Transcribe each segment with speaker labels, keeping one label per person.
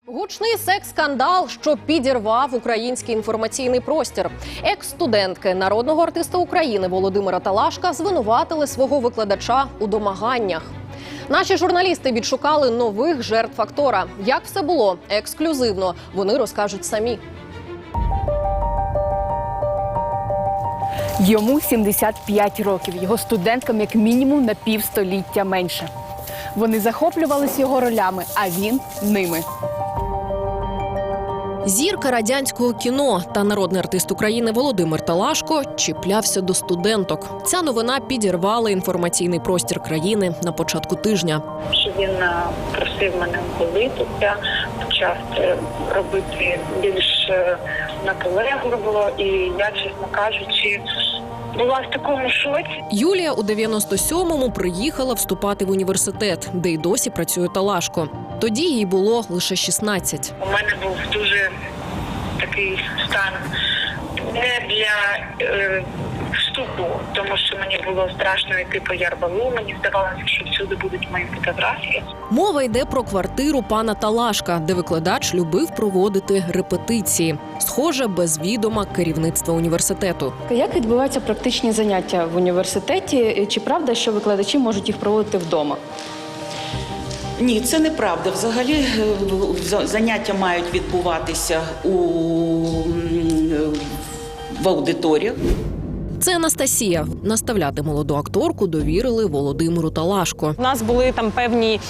Speaker 1: Гучний секс-скандал, що підірвав український інформаційний простір. Екс-студентки народного артиста України Володимира Талашка звинуватили свого викладача у домаганнях. Наші журналісти відшукали нових жертв актора. Як все було? Ексклюзивно. Вони розкажуть самі.
Speaker 2: Йому 75 років. Його студенткам як мінімум на півстоліття менше. Вони захоплювалися його ролями, а він – ними.
Speaker 1: Зірка радянського кіно та народний артист України Володимир Талашко чіплявся до студенток. Ця новина підірвала інформаційний простір країни на початку тижня.
Speaker 3: Що він просив мене голитися, почав робити більш наполегливо, і я, чесно кажучи, була в такому шоці.
Speaker 1: Юлія у 97-му приїхала вступати в університет, де й досі працює Талашко. Тоді їй було лише 16.
Speaker 3: У мене був дуже такий стан не для вступу, тому що мені було страшно йти по Ярбалу. Мені здавалося, що всюди будуть мої фотографії.
Speaker 1: Мова йде про квартиру пана Талашка, де викладач любив проводити репетиції. Схоже, без відома керівництва університету.
Speaker 2: Як відбуваються практичні заняття в університеті? Чи правда, що викладачі можуть їх проводити вдома?
Speaker 4: Ні, це неправда. Взагалі заняття мають відбуватися в аудиторіях.
Speaker 1: Це Анастасія. Наставляти молоду акторку довірили Володимиру Талашко.
Speaker 5: У нас були там певні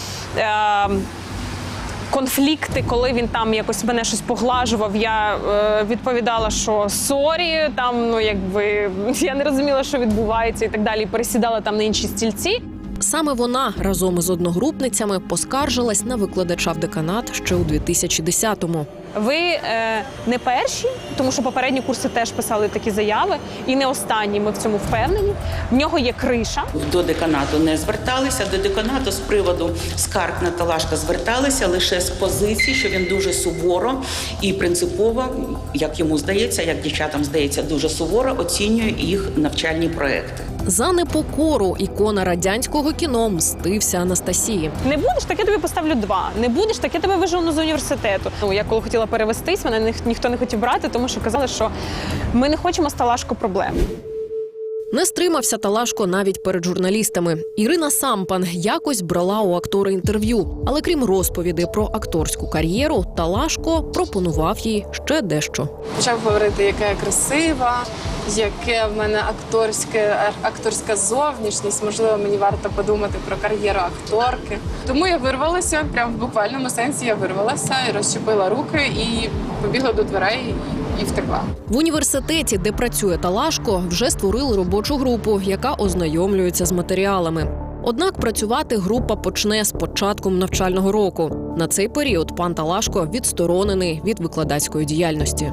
Speaker 5: конфлікти, коли він там якось мене щось поглажував. Я відповідала, що сорі, там, я не розуміла, що відбувається і так далі. Пересідала там на інші стільці.
Speaker 1: Саме вона разом із одногрупницями поскаржилась на викладача в деканат ще у 2010-му.
Speaker 5: Ви не перші, тому що попередні курси теж писали такі заяви, і не останні, ми в цьому впевнені. В нього є криша.
Speaker 4: До деканату не зверталися, до деканату з приводу скарг на Талашка зверталися лише з позиції, що він дуже суворо і принципово, як йому здається, як дівчатам здається, дуже суворо оцінює їх навчальні проекти.
Speaker 1: За непокору ікона радянського кіно мстився Анастасії.
Speaker 5: Не будеш, так я тобі поставлю 2. Не будеш, так я тебе вижену з університету. Я коли хотіла перевестись, мене ніхто не хотів брати, тому що казали, що ми не хочемо з Талашко проблем.
Speaker 1: Не стримався Талашко навіть перед журналістами. Ірина Сампан якось брала у актора інтерв'ю. Але крім розповідей про акторську кар'єру, Талашко пропонував їй ще дещо.
Speaker 6: Почав говорити, яка я красива, яке в мене акторська зовнішність. Можливо, мені варто подумати про кар'єру акторки. Тому я вирвалася, прямо в буквальному сенсі я вирвалася і розчепила руки і побігла до дверей і втекла.
Speaker 1: В університеті, де працює Талашко, вже створили робочу групу, яка ознайомлюється з матеріалами. Однак працювати група почне з початком навчального року. На цей період пан Талашко відсторонений від викладацької діяльності.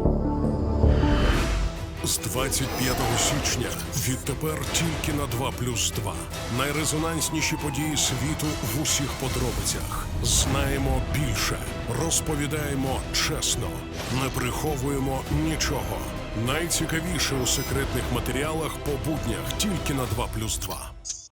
Speaker 7: З 25 січня відтепер тільки на 2+2. Найрезонансніші події світу в усіх подробицях. Знаємо більше, розповідаємо чесно, не приховуємо нічого. Найцікавіше у секретних матеріалах по буднях тільки на 2+2.